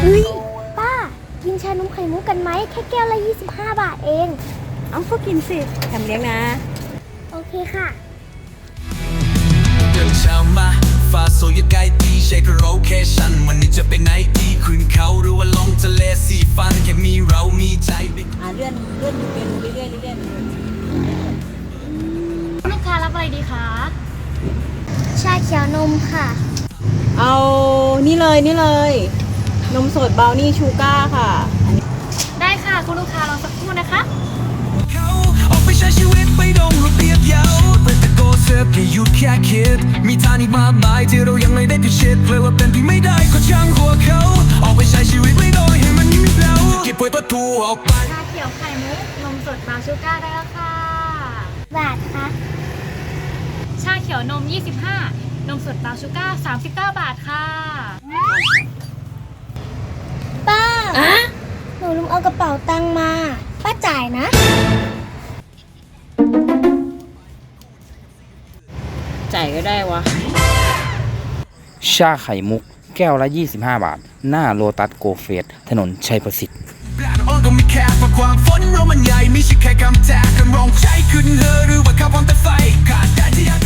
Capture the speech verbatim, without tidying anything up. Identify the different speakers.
Speaker 1: ฮ้ยป้ากินชานมไข่มุกกันไหมแค่แก้วละยี่สิบห้าบาทเอง
Speaker 2: เอาก็กินสิแถมเลี้ยงนะ
Speaker 1: โอเคค่ะ
Speaker 3: เดินเช้ามาฟ้าสวยใกล้ดีเช็คโลเคชั่นวันนี้จะไปไหนดีขึ้นเขาหรือว่าลงทะเลสีฟันแค่มีเรามีใจ
Speaker 2: อ่าเลื่อนเลื่อนอยู่เป็นเรื่อยๆเรื่อย
Speaker 4: ๆลูกค้ารับอะไรดีคะ
Speaker 1: ชาเขียวนมค่ะ
Speaker 2: เอานี่เลยนี่เลยนมสดเบลนี่ชูก้าค่ะ
Speaker 4: ได้ค่ะคุณลูกค้ารอสักครู่นะคะ
Speaker 3: เขาออกไปใช้ชีวิตไปดงระเบียบเยาแต่ตะโกนเสิร์ฟแค่หยุดแค่คิดมีทางอีกมากมายที่เรายังไม่ได้พิชิตเลยว่าเป็นที่ไม่ได้ก็ช่างหัวเขาออกไปใช้ชีวิตไม่โดยให้มันมีเราเก็บไว้ประตูออกไป
Speaker 4: ชาเขียวไข่มุกนมสดบราวน์ชูก้าได้แล้วค่ะ
Speaker 1: บาทคะ
Speaker 4: ชาเขียวนมยี่สิบห้านมสดบราวน์ชูก้าสามสิบเก้าบาทค่ะ
Speaker 1: ป้าหนูลืมเอากระเป๋าตังค์มาป้าจ่ายนะ
Speaker 2: จ่ายก็ได้วะ
Speaker 5: ชาไข่มุกแก้วละยี่สิบห้าบาทหน้าโลตัสโกเฟสถนนชัยประสิทธิ์
Speaker 3: อ่อนก็ไม่แค่เพราะความฝันเรามันใหญ่ไม่ใช่แค่คำแทกกันร้องใจขึ้นเธอหรือว่าขับวันแต่ไฟขาดแต่ที่อยาก